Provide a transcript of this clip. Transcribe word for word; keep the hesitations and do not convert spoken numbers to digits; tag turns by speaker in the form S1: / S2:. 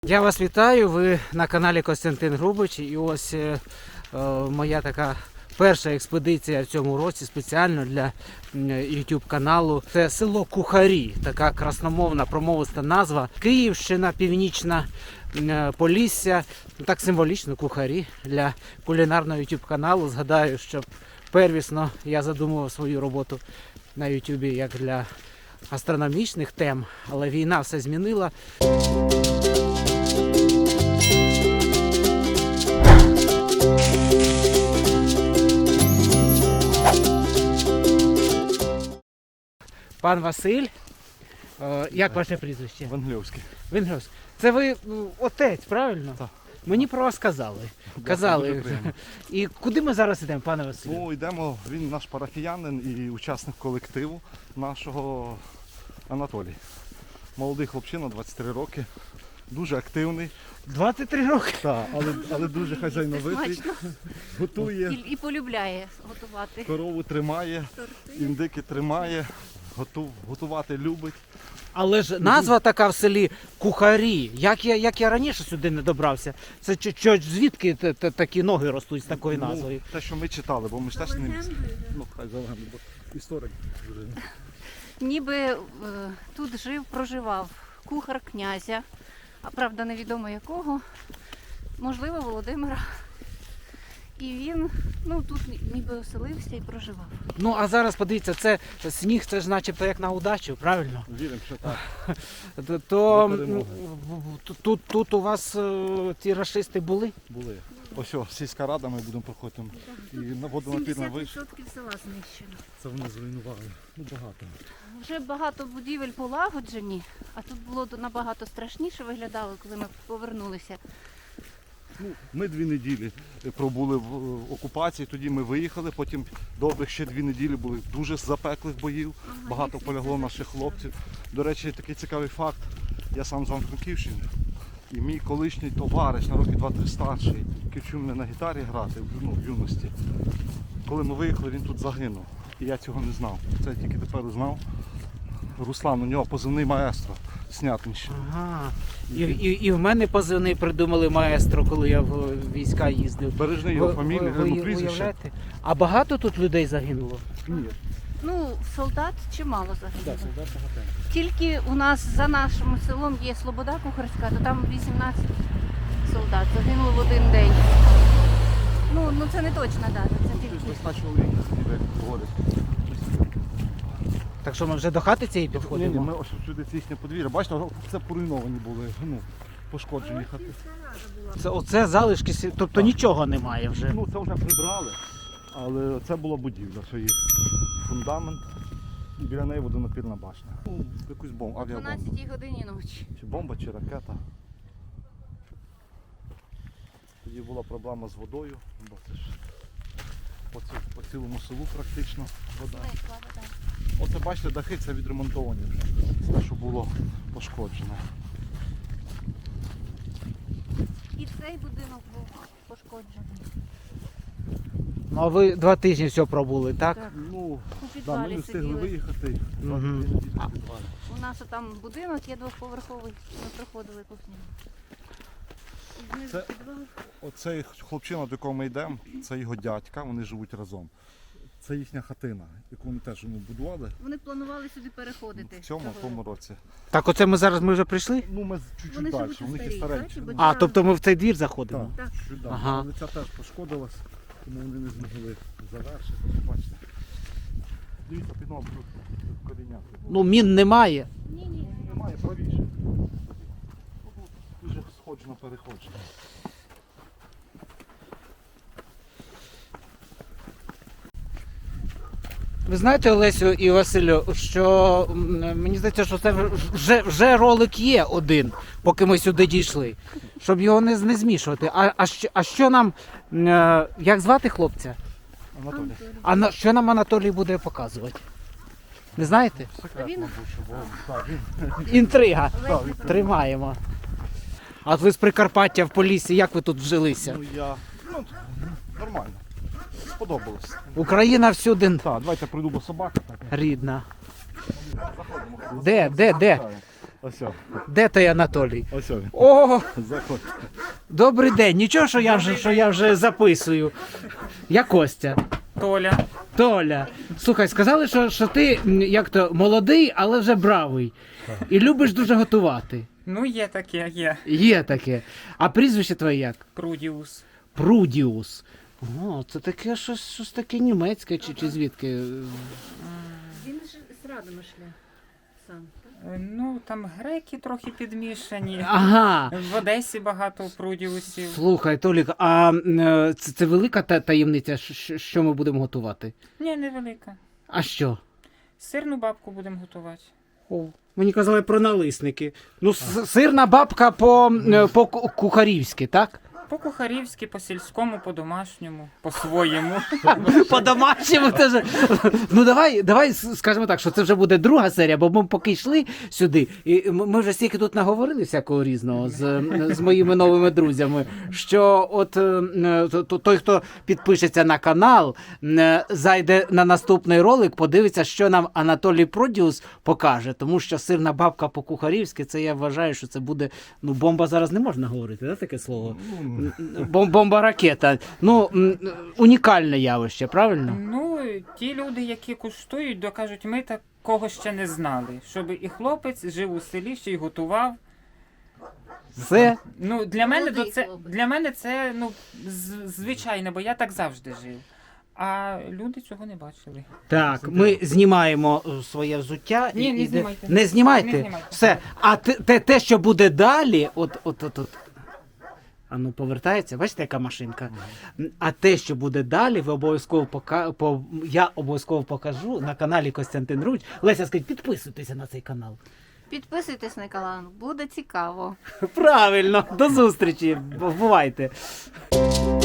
S1: Я вас вітаю, ви на каналі Костянтин Грубич, і ось е, е, моя така перша експедиція в цьому році спеціально для YouTube каналу. Це село Кухарі, така красномовна промовиста назва. Київщина, Північна е, Полісся, так символічно Кухарі для кулінарного YouTube каналу. Згадаю, що первісно я задумував свою роботу на YouTube як для гастрономічних тем, але війна все змінила. Пан Василь, е, як ваше прізвище?
S2: Венглівський.
S1: Венгровський. Це ви ну, отець, правильно?
S2: Так.
S1: Мені про вас казали. Казали. І куди ми зараз йдемо, пане Василю?
S2: Ну, йдемо, він наш парафіянин і учасник колективу нашого Анатолій. Молодий хлопчина, двадцять три роки, дуже активний.
S1: двадцять три роки?
S2: Так, але, але дуже хазяйновитий. Готує,
S3: І, і полюбляє готувати.
S2: корову тримає,
S3: Торти.
S2: індики тримає, готу, готувати любить.
S1: Але ж назва така в селі Кухарі. Як я, як я раніше сюди не добрався? Це чо, чо, звідки т- т- такі ноги ростуть з такою назвою?
S2: Ну, те, що ми читали, бо ми ж теж не місць. Ну, хай за легенду, бо історик вже.
S3: Ніби е, тут жив, проживав кухар князя, а правда невідомо якого, можливо, Володимира. І він ну, тут ніби оселився і проживав.
S1: Ну а зараз подивіться, це сніг, це ж начебто як на удачу, правильно?
S2: Віримо, що так.
S1: То, то
S2: До перемоги.
S1: м, тут, тут у вас е, ті рашисти були?
S2: Були. Ось о, сільська рада, ми будемо проходити. І на водонапірна вийшла.
S3: відсотків села знищено.
S2: Це вони зруйнували. Ну, багато.
S3: Вже багато будівель полагоджені, а тут було набагато страшніше виглядало, коли ми повернулися.
S2: Ну, ми дві неділі пробули в окупації, тоді ми виїхали, потім добрих ще дві неділі були дуже запеклих боїв, багато полягло наших хлопців. До речі, такий цікавий факт, я сам з Івано-Франківщини, і мій колишній товариш на роки два-три старший, який вчив мене на гітарі грати ну, в юності. Коли ми виїхали, він тут загинув, і я цього не знав. Це я тільки тепер узнав. Руслан, у нього позивний маестро. Снятинщина.
S1: Ага. І, і, і в мене позивний придумали маестро, коли я в війська їздив.
S2: Бережний його
S1: Ви-
S2: фамілія,
S1: ви-
S2: ну,
S1: ви
S2: прізвище.
S1: уявляєте? А багато тут людей загинуло?
S2: Ні.
S3: Ну, солдат чимало загинуло.
S2: Так, солдат багатенько.
S3: Тільки у нас за нашим селом є Слобода Кухарська, то там вісімнадцять солдат загинуло в один день. Ну, ну це не точна дата, це
S2: Тут
S3: тільки.
S2: весна чоловіка сидів, як говорять.
S1: Так що ми вже до хати цієї
S2: Ні, ні,
S1: підходимо?
S2: ми ось сюди це їхнє подвір'я. Бачите, це поруйновані були, ну, пошкоджені хати.
S1: Це, оце залишки, сі- тобто нічого немає вже.
S2: Ну, це вже прибрали, але це була будівля, це їх фундамент. І біля неї водонапірна башня. Ну, якусь бомбу,
S3: О
S2: авіабомбу.
S3: дванадцятій годині ночі.
S2: Чи бомба, чи ракета. Тоді була проблема з водою, бо це ж по, ці- по цілому селу практично вода.
S3: Зникла вода.
S2: Оце бачите, дахи це відремонтовані вже, те, що було пошкоджено.
S3: І цей будинок був пошкоджений.
S1: Ну а ви два тижні все пробули, так?
S3: Так.
S2: Ну,
S3: У
S2: да, ми
S3: підвалі
S2: не встигли
S3: сиділи.
S2: виїхати.
S1: Мгм.
S2: Два тижні в підвалі.
S3: У нас там будинок є двохповерховий, ми проходили по ньому. І знизу
S2: Це-
S3: підвал.
S2: Оцей хлопчина, до якого ми йдемо, це його дядька, вони живуть разом. Це їхня хатина, яку вони теж ну, будували
S3: Вони планували сюди переходити.
S2: в цьому, в
S3: того
S2: тому
S3: року.
S2: році.
S1: Так оце ми зараз ми вже прийшли?
S2: Ну, ми чуть-чуть
S3: Вони
S2: далі,
S3: живуть у
S2: у них і
S3: старій
S2: старенькі.
S3: хаті, бо
S1: А,
S3: ця-
S1: тобто ми в цей двір заходимо?
S2: Так,
S3: Так.
S2: чуть далі.
S1: Ага.
S2: Але ця теж пошкодилась, тому вони не змогли завершити. Бачите. Дивіться, під ногу тут коріння.
S1: Ну мін немає.
S3: Ні, ні.
S2: Немає, правіше. Ну, тут дуже сходжено переходжено.
S1: Ви знаєте, Олесю і Василю, що м, мені здається, що це вже, вже ролик є один, поки ми сюди дійшли, щоб його не, не змішувати. А, а, що, а що нам, е, як звати хлопця?
S2: Анатолій.
S1: А на, що нам Анатолій буде показувати? Не знаєте?
S2: Секрет,
S3: Він-
S2: мабуть, що було. Так, він.
S1: Інтрига.
S2: Так, він-
S1: Тримаємо. А от ви з Прикарпаття в Поліссі, як ви тут вжилися?
S2: Ну, я, ну, нормально. Сподобалось.
S1: Україна всюди
S2: Так, давайте прийду, бо собака така.
S1: рідна. Де, де, де?
S2: Ось о,
S1: Де той Анатолій?
S2: ось о він.
S1: О,
S2: Заходь.
S1: добрий день. Нічого, що я вже, що я вже записую. Я Костя.
S4: Толя.
S1: Толя. Слухай, сказали, що, що ти м, як то молодий, але вже бравий. І любиш дуже готувати.
S4: Ну, є таке, є.
S1: Є таке. А прізвище твоє як?
S4: Прудіус.
S1: Прудіус. О, це таке щось, щось таке німецьке чи, чи звідки?
S3: Він ж з Радомишля сам.
S4: Е, Ну, там греки трохи підмішані.
S1: Ага.
S4: В Одесі багато прудіусів.
S1: Слухай, Толік, а е, це, це велика та таємниця, що, що ми будемо готувати?
S4: Ні, невелика.
S1: А що?
S4: Сирну бабку будемо готувати.
S1: О, мені казали про налисники. Ну, с- сирна бабка по, е, по ку- кухарівськи, так?
S4: По-кухарівськи, по-сільському, по-домашньому, по-своєму.
S1: По-домашньому теж. Ну давай, давай с- скажемо так, що це вже буде друга серія, бо ми поки йшли сюди, і м- ми вже стільки тут наговорили всякого різного з, з моїми новими друзями, що от е, е, то- то- той, хто підпишеться на канал, е, зайде на наступний ролик, подивиться, що нам Анатолій Продіус покаже, тому що сирна бабка по-кухарівськи, це я вважаю, що це буде, ну бомба зараз не можна говорити, да, таке слово? Бом- Бомба-ракета. Ну, м, унікальне явище, правильно?
S4: Ну, ті люди, які куштують, докажуть, ми такого ще не знали. Щоб і хлопець жив у селі, ще й готував.
S1: Все.
S4: Ну, для мене,
S3: Молодий
S4: то це,
S3: хлопець.
S4: для мене це ну, з- звичайно, бо я так завжди жив. А люди цього не бачили.
S1: Так, ми знімаємо е, своє взуття.
S4: Ні,
S1: і,
S4: не
S1: іде-
S4: знімайте.
S1: Не знімайте?
S4: Не знімайте.
S1: Все. А те, те, те, що буде далі, от, от, от, от. А ну повертається, бачите, яка машинка. А те, що буде далі, ви обов'язково пока... по... я обов'язково покажу на каналі Костянтин Руч. Леся, скажіть, підписуйтеся на цей канал.
S3: Підписуйтесь на канал, буде цікаво.
S1: Правильно, до зустрічі. Бувайте.